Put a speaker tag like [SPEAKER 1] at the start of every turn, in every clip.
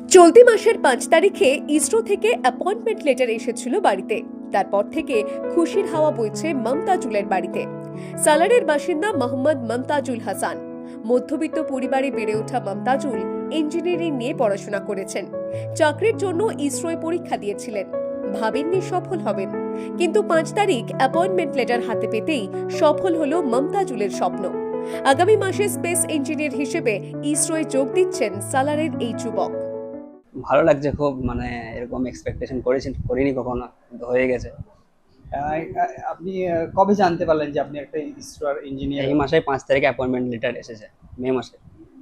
[SPEAKER 1] চলতি মাসের ৫ তারিখে ইসরো থেকে অ্যাপয়েন্টমেন্ট লেটার এসেছিল বাড়িতে। তারপর থেকে খুশির হাওয়া বইছে মমতাজুলের বাড়িতে। সালারের বাসিন্দা মোহাম্মদ মমতাজুল হাসান। মধ্যবিত্ত পরিবারে বেড়ে ওঠা মমতাজুল ইঞ্জিনিয়ারিং নিয়ে পড়াশোনা করেছেন। চাকরির জন্য ইসরোয় পরীক্ষা দিয়েছিলেন, ভাবেননি সফল হবেন, কিন্তু ৫ তারিখ অ্যাপয়েন্টমেন্ট লেটার হাতে পেতেই সফল হলো মমতাজুলের স্বপ্ন। আগামী মাসে স্পেস ইঞ্জিনিয়ার হিসেবে ইসরোয় যোগ দিচ্ছেন সালারের এই যুবক।
[SPEAKER 2] ভালো লাগছে খুব, মানে এরকম এক্সপেকটেশন করিনি কখনো, কিন্তু হয়ে গেছে।
[SPEAKER 3] আপনি কবে জানতে পারলেন যে আপনি একটা ইসরোর ইঞ্জিনিয়ার?
[SPEAKER 2] এই মাসে 5 তারিখে অ্যাপয়েন্টমেন্ট লেটার এসেছে, মে মাসে।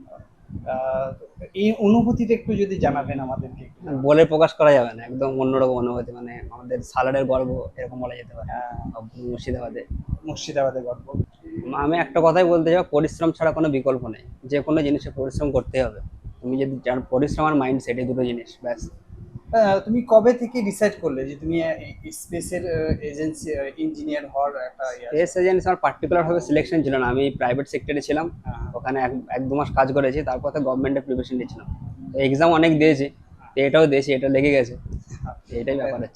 [SPEAKER 3] এই অনুভূতিটা একটু যদি জানাবেন আমাদেরকে একটু।
[SPEAKER 2] বলে প্রকাশ করা যাবে না, একদম অন্যরকম অনুভূতি, মানে আমাদের সালারের গর্ব এরকম বলা যেতে পারে।
[SPEAKER 3] মুর্শিদাবাদের গল্প।
[SPEAKER 2] আমি একটা কথাই বলতে চাই, পরিশ্রম ছাড়া কোনো বিকল্প নেই। যে কোনো জিনিসে পরিশ্রম করতে হবে। তুমি যদি পরিশ্রম আর মাইন্ডসেট, এই দুটো জিনিস ব্যাস।
[SPEAKER 3] তুমি কবে থেকে ডিসাইড করলে যে তুমি স্পেসের এজেন্সি ইঞ্জিনিয়ার হওয়ার একটা
[SPEAKER 2] স্পেস এজেন্সি আমার পার্টিকুলার ভাবে সিলেকশন ছিল না। আমি প্রাইভেট সেক্টরে ছিলাম, ওখানে এক দু মাস কাজ করেছি, তারপর তো গভর্নমেন্টের প্রিপারেশন নিয়েছিলাম। এক্সাম অনেক দিয়েছি, তো এটাও দিয়েছি, এটা লেগে গেছে। এটাই ব্যাপার হচ্ছে।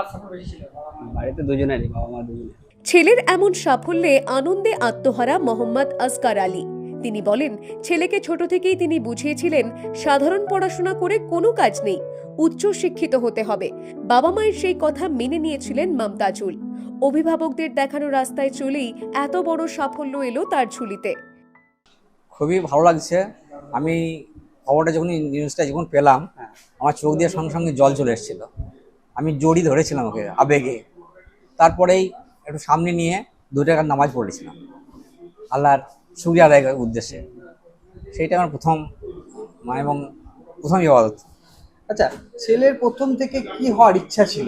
[SPEAKER 2] বাড়িতে দুজনেরই, বাবা মা দুজনে।
[SPEAKER 1] ছেলের এমন সাফল্যে আনন্দে আত্মহারা মোহাম্মদ আসগার আলী। তিনি বলেন, ছেলেকে ছোট থেকেই তিনি বুঝিয়েছিলেন সাধারণ পড়াশোনা করে কোনো কাজ নেই, উচ্চ শিক্ষিত হতে হবে। বাবা মায়ের সেই কথা মেনে নিয়েছিলেন মমতাজুল। অভিভাবকদের দেখানো রাস্তায় চলেই এত বড় সাফল্য এলো তার ঝুলিতে।
[SPEAKER 4] খুবই ভালো লাগছে। আমি খবরটা যখন নিউজটা যখন পেলাম, আমার চোখ দিয়ে সঙ্গে সঙ্গে জল চলে এসেছিল। আমি জড়ি ধরেছিলাম ওকে আবেগে। তারপরেই একটু সামনে নিয়ে 2 টাকার নামাজ পড়েছিলাম আল্লাহর শুকরিয়া আদায় করার উদ্দেশ্যে। সেইটা আমার প্রথম এবং প্রথম ইবাদত।
[SPEAKER 3] আচ্ছা, ছেলের প্রথম থেকে কি হওয়ার ইচ্ছা ছিল?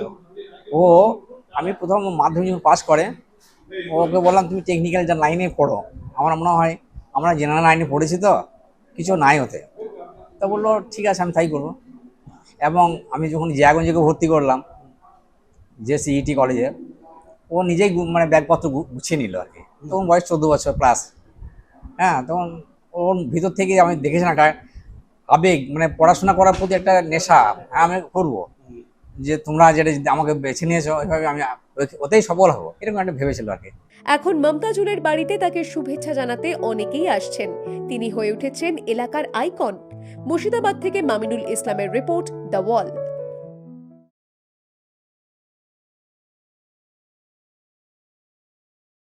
[SPEAKER 4] আমি প্রথম মাধ্যমিক যখন পাস করে, ওকে বললাম তুমি টেকনিক্যাল যা লাইনে পড়ো, আমার মনে হয় আমরা জেনারেল লাইনে পড়েছি তো কিছু নাই হতে। তা বললো ঠিক আছে, আমি তাই করবো। এবং আমি যখন জিয়াগঞ্জকে ভর্তি করলাম যে সিইটি কলেজে, ও নিজেই মানে ব্যাগপত্র গুছিয়ে নিল আর কি। তখন বয়স 14 বছর প্লাস। তখন ওর ভিতর থেকে আমি দেখেছি না একটা আবেগ, মানে পড়াশোনা করার প্রতি একটা নেশা। আমি করবো, যে তোমরা যেটা আমাকে বেছে নিয়েছো ওইভাবে আমি ওতেই সফল হবো, এরকম একটা ভেবেছিল আর কি।
[SPEAKER 1] এখন মমতাজুলের বাড়িতে তাকে শুভেচ্ছা জানাতে অনেকেই আসছেন। তিনি হয়ে উঠেছেন এলাকার আইকন। মুর্শিদাবাদ থেকে মামিনুল ইসলামের রিপোর্ট, দ্য ওয়াল।